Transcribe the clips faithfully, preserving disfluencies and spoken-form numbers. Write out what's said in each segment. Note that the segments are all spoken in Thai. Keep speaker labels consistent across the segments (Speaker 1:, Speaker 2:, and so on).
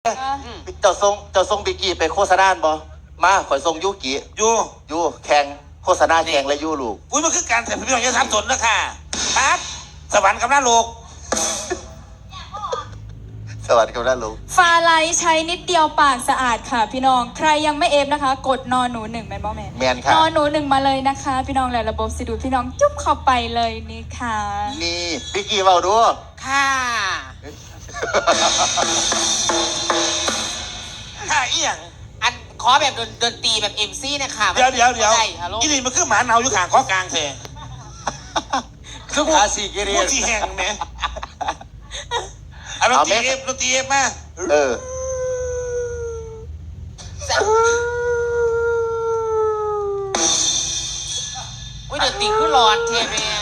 Speaker 1: เจ้าทรงเจ้าทรงบิกกี้ไปโฆษณาบ่มาข่อยทรงยุกิ
Speaker 2: ยู
Speaker 1: ยูแข่งโฆษณาแข่งและยูลูก
Speaker 2: อุ้ยมันคือการแต่พี่น้องจะทำสนนะค่ะครับสวรรค์กับหน้าโลก
Speaker 1: สวัสดีครับน้าลูก
Speaker 3: ฟาไลใช้นิดเดียวปากสะอาดค่ะพี่น้องใครยังไม่เอฟนะคะ กดนอนหนูหนึ่งแมนบอแมน
Speaker 1: แมนค่ะ
Speaker 3: นอนหนูหนึ่งมาเลยนะคะ พี่น้องแล้วระบบสิดูพี่น้องจุ๊บเข้าไปเลยนี่ค่ะ
Speaker 1: นี่บิกกี้เบาดู
Speaker 4: ค่ะ
Speaker 2: ค่ะอีหยัง
Speaker 4: อันขอแบบดนตรีแบบเอ็มซีนะคะ
Speaker 2: เดี๋ยวเดี๋ยวเดี๋ยวอีนี่มันคือหมาเนาอยู่ข้างข้อกลางเถอะ
Speaker 1: คือขาสีกิริ
Speaker 2: พูดที่แห้งไหมเอาดนตรีเอฟดนตรีเอฟมา
Speaker 1: เออ
Speaker 4: อุ้ยดนตรีคือร้อนเทเมีย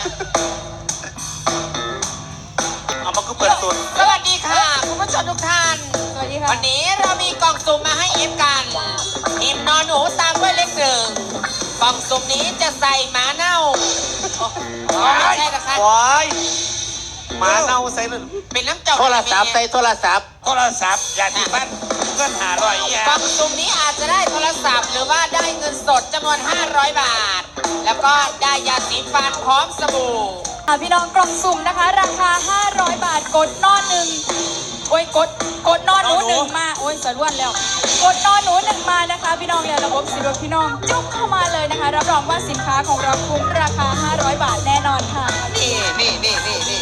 Speaker 2: เอามาคือเปิดตุน
Speaker 4: สวัสดีค่ะคุณผู้ชมทุกท่าน
Speaker 3: สวัสดีค่ะ
Speaker 4: วันนี้เรามีกล่องสุ่มมาให้เอฟกันทีมนอนหนูตามด้วยเลขหนึ่งกล่องสุ่มนี้จะใส่หมาเน่าไม่ใช่นะคะ
Speaker 1: ว้ายหมาเน่าใส่
Speaker 4: เป็นน้ำเจ้า
Speaker 1: โทรศัพท์ใส่โทรศัพท์
Speaker 2: โทรศัพท์อย่าที่บ้านเงินหาลอยอี
Speaker 4: กล่องสุ่มนี้อาจจะได้โทรศัพท์หรือว่าได้เงินสดจำนวนห้าร้อยบาทแล้วก็ได้ยาสีฟันพร้อมสบู่
Speaker 3: พี่น้องกล่องสุ่มนะคะราคาห้าร้อยบาทกดนอนหนึ่งโอ้ยกดกดนอนหนูหนึ่งมาโอ้ยสะล้วนแล้วกดนอนหนูหนึ่งมานะคะพี่น้องแล้วระบบสิดูพี่น้องจุ๊บเข้ามาเลยนะคะรับรองว่าสินค้าของเราคุ้มราคาห้าร้อยบาทแน่นอนค่ะ
Speaker 1: นี่นี่นี่นี่นี่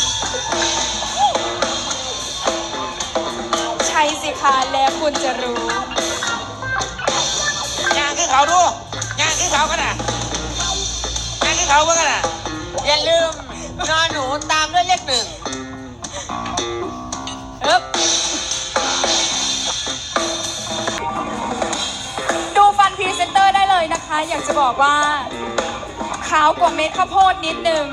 Speaker 3: ใช่สิคะแล้วคุณจะรู้
Speaker 2: ยางขึ้นเขาดูยางขึ้นเขากันนะยางขึ้นเขาเมื่อกันนะ
Speaker 4: อย่าลืมนอนหนูตามด้วยเลขหนึ่ง
Speaker 3: ฮึบดูฟันพรีเซนเตอร์ได้เลยนะคะอยากจะบอกว่าขาวกว่าเม็ดข้าวโพดนิดนึง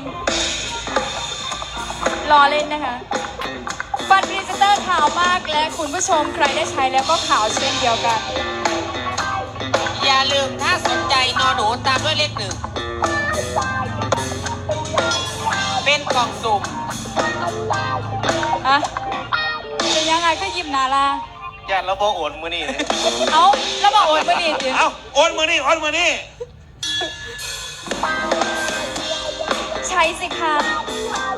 Speaker 3: รอเล่นนะคะฟันพรีเซนเตอร์ขาวมากและคุณผู้ชมใครได้ใช้แล้วก็ขาวเช่นเดียวกัน
Speaker 4: อย่าลืมถ้าสนใจนอนหนูตามด้วยเลขหนึ่งเป็นกล่องสุ่ม
Speaker 3: อะเป็นยังไงก็ยิ้มนาลา
Speaker 1: ย่านเราบอกโอนมือนี่
Speaker 3: เอาแล้วมาโอนมือนี่สิ
Speaker 2: เอาโอนมือนี่โอนมือนี่
Speaker 3: ใช้สิคะ